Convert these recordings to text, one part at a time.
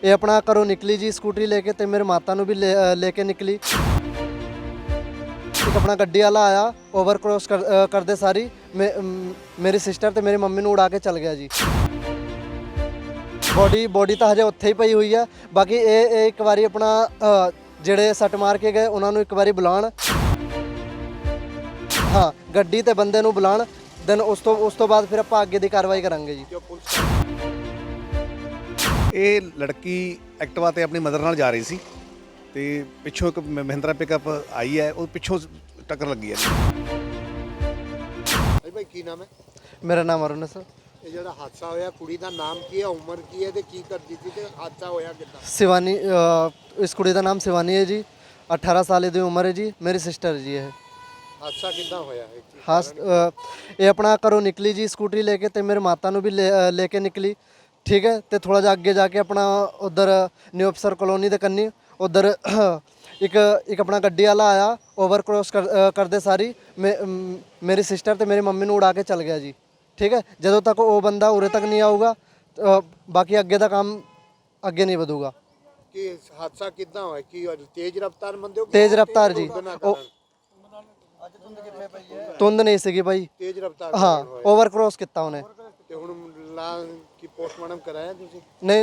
ਇਹ ਆਪਣਾ ਘਰੋਂ ਨਿਕਲੀ ਜੀ ਸਕੂਟਰੀ ਲੈ ਕੇ ਤੇ ਮੇਰੇ ਮਾਤਾ ਨੂੰ ਵੀ ਲੈ ਕੇ ਨਿਕਲੀ। ਇੱਕ ਆਪਣਾ ਗੱਡੀ ਵਾਲਾ ਆਇਆ, ਓਵਰ ਕ੍ਰੋਸ ਕਰਦੇ ਸਾਰੀ ਮੇਰੀ ਸਿਸਟਰ ਤੇ ਮੇਰੀ ਮੰਮੀ ਨੂੰ ਉਡਾ ਕੇ ਚਲ ਗਿਆ ਜੀ। ਬੋਡੀ ਤਾਂ ਹਜੇ ਉੱਥੇ ਹੀ ਪਈ ਹੋਈ ਆ। ਬਾਕੀ ਇਹ ਇੱਕ ਵਾਰੀ ਆਪਣਾ ਜਿਹੜੇ ਸੱਟ ਮਾਰ ਕੇ ਗਏ ਉਹਨਾਂ ਨੂੰ ਇੱਕ ਵਾਰੀ ਬੁਲਾਉਣ, ਹਾਂ ਗੱਡੀ ਤੇ ਬੰਦੇ ਨੂੰ ਬੁਲਾਉਣ, ਦੈਨ ਉਸ ਤੋਂ ਬਾਅਦ ਫਿਰ ਆਪਾਂ ਅੱਗੇ ਦੀ ਕਾਰਵਾਈ ਕਰਾਂਗੇ ਜੀ। ਇਹ ਲੜਕੀ ਐਕਟਿਵਾ ਤੇ ਆਪਣੀ ਮਦਰ ਨਾਲ ਜਾ ਰਹੀ ਸੀ ਤੇ ਪਿੱਛੋਂ ਇੱਕ ਮਹਿੰਦਰਾ ਪਿਕਅਪ ਆਈ ਹੈ, ਉਹ ਪਿੱਛੋਂ ਟੱਕਰ ਲੱਗੀ ਹੈ। ਭਾਈ ਕੀ ਨਾਮ ਹੈ? ਮੇਰਾ ਨਾਮ ਅਰੁਣ ਹੈ ਸਰ। ਇਹ ਜਿਹੜਾ ਹਾਦਸਾ ਹੋਇਆ, ਕੁੜੀ ਦਾ ਨਾਮ ਕੀ ਹੈ, ਉਮਰ ਕੀ ਹੈ ਤੇ ਕੀ ਕਰਦੀ ਸੀ ਤੇ ਹਾਦਸਾ ਹੋਇਆ ਕਿੱਦਾਂ? शिवानी, इस कुड़ी का नाम शिवानी है जी, 18 साल की उम्र है जी, मेरी सिस्टर जी है। ਹਾਦਸਾ ਕਿੱਦਾਂ ਹੋਇਆ? ਇਹ ਆਪਣਾ ਘਰੋਂ ਨਿਕਲੀ ਜੀ ਸਕੂਟਰੀ ਲੈ ਕੇ ਤੇ ਮੇਰੇ ਮਾਤਾ ਨੂੰ ਵੀ ਲੈ ਕੇ ਨਿਕਲੀ, ਠੀਕ ਹੈ। ਤੇ ਥੋੜਾ ਜਿਹਾ ਅੱਗੇ ਜਾ ਕੇ ਆਪਣਾ ਉਧਰ ਨਿਊ ਅਫਸਰ ਕਲੋਨੀ ਦੇ ਕੰਨੀ ਉਧਰ ਇੱਕ ਆਪਣਾ ਗੱਡੀ ਵਾਲਾ ਆਇਆ, ਓਵਰ ਕ੍ਰੋਸ ਕਰਦੇ ਸਾਰੀ ਮੇਰੀ ਸਿਸਟਰ ਤੇ ਮੇਰੀ ਮੰਮੀ ਨੂੰ ਉਡਾ ਕੇ ਚਲ ਗਿਆ ਜੀ, ਠੀਕ ਹੈ। ਜਦੋਂ ਤੱਕ ਉਹ ਬੰਦਾ ਉਰੇ ਤੱਕ ਨਹੀਂ ਆਊਗਾ ਬਾਕੀ ਅੱਗੇ ਦਾ ਕੰਮ ਅੱਗੇ ਨਹੀਂ ਵਧੂਗਾ। ਕਿ ਹਾਦਸਾ ਕਿੱਦਾਂ ਹੋਇਆ? ਕੀ ਤੇਜ਼ ਰਫ਼ਤਾਰ ਬੰਦੇ ਹੋ? ਤੇਜ਼ ਰਫ਼ਤਾਰ ਜੀ, ਧੁੰਦ ਨਹੀਂ ਸੀਗੀ ਭਾਈ, ਤੇਜ਼ ਰਫ਼ਤਾਰ ਹਾਂ ਓਵਰ ਕ੍ਰੋਸ ਕੀਤਾ ਉਹਨੇ। ਤੇ ਹੁਣ ਕੀ ਪੋਸਟਮਾਰਟਮ ਕਰਾਇਆ ਤੁਸੀਂ?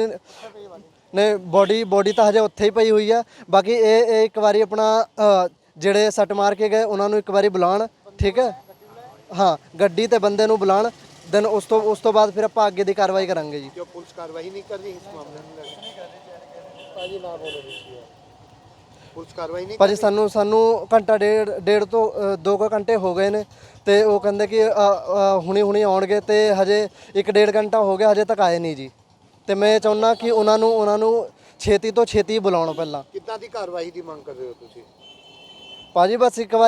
ਨਹੀਂ ਬੋਡੀ ਤਾਂ ਹਜੇ ਉੱਥੇ ਹੀ ਪਈ ਹੋਈ ਆ। ਬਾਕੀ ਇਹ ਇੱਕ ਵਾਰੀ ਆਪਣਾ ਜਿਹੜੇ ਸੱਟ ਮਾਰ ਕੇ ਗਏ ਉਹਨਾਂ ਨੂੰ ਇੱਕ ਵਾਰੀ ਬੁਲਾਉਣ, ਠੀਕ ਹੈ, ਹਾਂ ਗੱਡੀ ਤੇ ਬੰਦੇ ਨੂੰ ਬੁਲਾਉਣ, ਦੈਨ ਉਸ ਤੋਂ ਬਾਅਦ ਫਿਰ ਆਪਾਂ ਅੱਗੇ ਦੀ ਕਾਰਵਾਈ ਕਰਾਂਗੇ ਜੀ। ਕਿਉਂ ਪੁਲਿਸ ਕਾਰਵਾਈ ਨਹੀਂ ਕਰ ਰਹੀ ਇਸ ਮਾਮਲੇ ਨੂੰ? ਭਾਜੀ ਨਾ ਬੋਲੋ ਤੁਸੀਂ, ਪੁਲਿਸ ਕਾਰਵਾਈ ਨਹੀਂ ਭਾਜੀ ਸਾਨੂੰ ਘੰਟਾ ਡੇਢ ਤੋਂ 2 ਘੰਟੇ ਹੋ ਗਏ ਨੇ ਤੇ ਉਹ ਕਹਿੰਦੇ ਕਿ ਹੁਣੀ ਆਉਣਗੇ ਤੇ ਹਜੇ 1.5 ਘੰਟਾ ਹੋ ਗਿਆ, ਹਜੇ ਤੱਕ ਆਏ ਨਹੀਂ ਜੀ। ਤੇ ਮੈਂ ਚਾਹੁੰਦਾ ਕਿ ਉਹਨਾਂ ਨੂੰ ਛੇਤੀ ਤੋਂ ਛੇਤੀ ਬੁਲਾਉਣ। ਪਹਿਲਾਂ ਕਿੱਦਾਂ ਦੀ ਕਾਰਵਾਈ ਦੀ ਮੰਗ ਕਰ ਰਹੇ ਹੋ ਤੁਸੀਂ? ਭਾਜੀ ਬਸ ਇੱਕ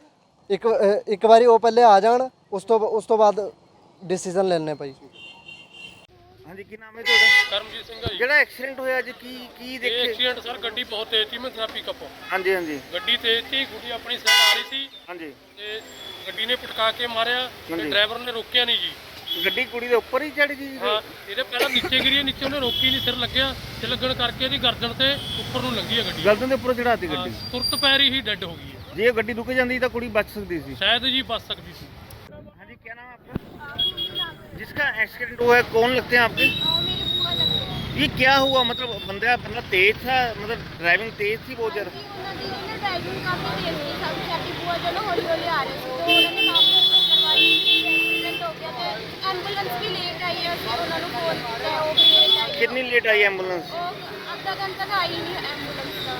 ਵਾਰੀ ਉਹ ਪਹਿਲੇ ਆ ਜਾਣ, ਉਸ ਤੋਂ ਬਾਅਦ ਡਿਸੀਜਨ ਲੈਣੇ ਭਾਈ। ਹਾਂਜੀ, ਕੀ ਨਾਮ ਹੈ ਤੁਹਾਡਾ? ਕਰਮਜੀਤ ਸਿੰਘ ਹੈ ਜੀ। ਜਿਹੜਾ ਐਕਸੀਡੈਂਟ ਹੋਇਆ ਅੱਜ ਕੀ ਦੇਖੇ? ਐਕਸੀਡੈਂਟ ਸਰ ਗੱਡੀ ਬਹੁਤ ਤੇਜ਼ ਸੀ, ਮਹਿੰਦਰਾ ਪਿਕਅਪ। ਹਾਂਜੀ ਹਾਂਜੀ ਗੱਡੀ ਤੇਜ਼ ਸੀ, ਗੁੱਡੀ ਆਪਣੀ ਸਾਈਡ ਆ ਰਹੀ ਸੀ ਹਾਂਜੀ। ਤੇ ਗੱਡੀ ਨੇ ਪਟਕਾ ਕੇ ਮਾਰਿਆ ਤੇ ਡਰਾਈਵਰ ਨੇ ਰੋਕਿਆ ਨਹੀਂ ਜੀ। ਗੱਡੀ ਕੁੜੀ ਦੇ ਉੱਪਰ ਹੀ ਚੜ ਗਈ? ਹਾਂ, ਇਹਦੇ ਪਹਿਲਾਂ ਨੀਚੇ ਗਿਰੀ, ਨੀਚੇ ਉਹਨੇ ਰੋਕੀ ਨਹੀਂ, ਸਿਰ ਲੱਗਿਆ ਤੇ ਲੱਗਣ ਕਰਕੇ ਇਹਦੀ ਗਰਦਨ ਤੇ ਉੱਪਰ ਨੂੰ ਲੰਗੀ ਹੈ ਗੱਡੀ। ਗਰਦਨ ਦੇ ਉੱਪਰ ਚੜਾਤੀ ਗੱਡੀ? ਤੁਰਤ ਪੈਰੀ ਹੀ ਡੈੱਡ ਹੋ ਗਈ ਹੈ। ਜੇ ਇਹ ਗੱਡੀ ਰੁਕ ਜਾਂਦੀ ਤਾਂ ਕੁੜੀ ਬਚ ਸਕਦੀ ਸੀ ਸ਼ਾਇਦ ਜੀ ਬਚ ਸਕਦੀ ਸੀ। ਹਾਂਜੀ, क्या नाम है आपका? जिसका एक्सीडेंट हुआ है कौन लगते हैं आपके? मेरे बुआ लगते हैं। ये क्या हुआ? मतलब बंदा तेज था, मतलब ड्राइविंग तेज थी बहुत ज़्यादा? ड्राइविंग काफ़ी तेज थी, सब साडी बुआ जो ना हौली हौली आ रहे थे तो उन्होंने मामला करवाई, एक्सीडेंट हो गया तो एंबुलेंस भी लेट आई है, फिर उन्होंने फोन किया, वो भी लेट आई है। कितनी लेट आई एम्बुलेंस? आधा घंटा तो आई नहीं एंबुलेंस का।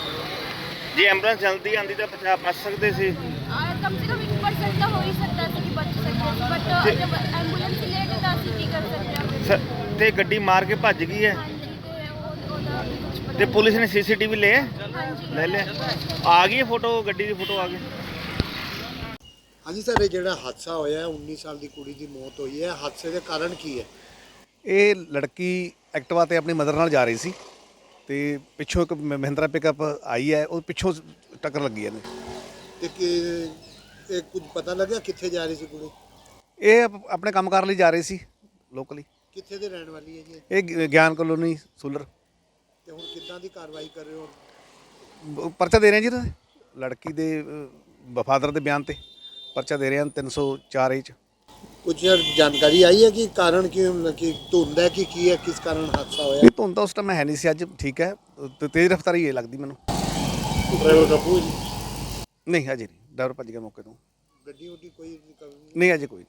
जी एम्बुलेंस जल्दी आती तो बच सकते थे। कम से कम 1% तो हो ही सकता था कि बच सकते थे, बट जब एंबुलेंस लेट है तो ਅਸੀਂ ਕੀ ਕਰ ਸਕਦੇ ਹਾਂ? ਤੇ ਗੱਡੀ ਮਾਰ ਕੇ ਭੱਜ ਗਈ ਹੈ ਹਾਂਜੀ, ਤੇ ਉਹਦਾ ਵੀ ਕੁਝ ਪਤਾ ਤੇ ਪੁਲਿਸ ਨੇ ਸੀਸੀਟੀਵੀ ਲਿਆ? ਹਾਂਜੀ ਲੈ ਲਿਆ? ਆ ਗਈ ਫੋਟੋ, ਗੱਡੀ ਦੀ ਫੋਟੋ ਆ ਗਈ? ਹਾਂਜੀ ਸਰ, ਇਹ ਜਿਹੜਾ ਹਾਦਸਾ ਹੋਇਆ 19 ਸਾਲ ਦੀ ਕੁੜੀ ਦੀ ਮੌਤ ਹੋਈ ਹੈ, ਹਾਦਸੇ ਦੇ ਕਾਰਨ ਕੀ ਹੈ? ਇਹ ਲੜਕੀ ਐਕਟਿਵਾ ਤੇ ਆਪਣੀ ਮਦਰ ਨਾਲ ਜਾ ਰਹੀ ਸੀ ਤੇ ਪਿੱਛੋਂ ਇੱਕ ਮਹਿੰਦਰਾ ਪਿਕਅਪ ਆਈ ਹੈ, ਉਹ ਪਿੱਛੋਂ ਟੱਕਰ ਲੱਗੀ ਹੈ। ਤੇ ਇਹ ਕੁਝ ਪਤਾ ਲੱਗਿਆ ਕਿੱਥੇ ਜਾ ਰਹੀ ਸੀ ਕੁੜੀ? ਇਹ ਆਪਣੇ ਕੰਮਕਾਰ ਲਈ ਜਾ ਰਹੀ ਸੀ ਲੋਕਲੀ। ਕਿੱਥੇ ਦੇ ਰਹਿਣ ਵਾਲੀ ਹੈ ਜੀ? ਇਹ ਗਿਆਨ ਕਲੋਨੀ ਸੂਲਰ। ਤੇ ਹੁਣ ਕਿੱਦਾਂ ਦੀ ਕਾਰਵਾਈ ਕਰ ਰਹੇ ਹੋ? ਪਰਚਾ ਦੇ ਰਹੇ ਹਾਂ ਜੀ ਇਹਨਾਂ ਦੇ ਲੜਕੀ ਦੇ ਵਫਾਦਰ ਦੇ ਬਿਆਨ ਤੇ ਪਰਚਾ ਦੇ ਰਹੇ ਹਾਂ 304 ਏ 'ਚ। ਕੁਝ ਜਾਣਕਾਰੀ ਆਈ ਹੈ ਕਿ ਕਾਰਨ ਕਿ ਧੁੰਦ ਹੈ ਕਿ ਕੀ ਹੈ, ਕਿਸ ਕਾਰਨ ਹਾਦਸਾ ਹੋਇਆ? ਇਹ ਧੁੰਦ ਤਾਂ ਉਸ ਟਾਈਮ ਹੈ ਨਹੀਂ ਸੀ, ਅੱਜ ਠੀਕ ਹੈ ਤੇ ਤੇਜ਼ ਰਫ਼ਤਾਰੀ ਇਹ ਲੱਗਦੀ ਮੈਨੂੰ। ਡਰਾਈਵਰ ਕਾਬੂ ਜੀ? ਨਹੀਂ ਅਜੇ ਨਹੀਂ, ਡਰਾਈਵਰ ਭੱਜ ਗਿਆ ਮੌਕੇ ਤੋਂ। ਗੱਡੀ ਉੱਡੀ ਕੋਈ ਨਹੀਂ ਅਜੇ ਕੋਈ।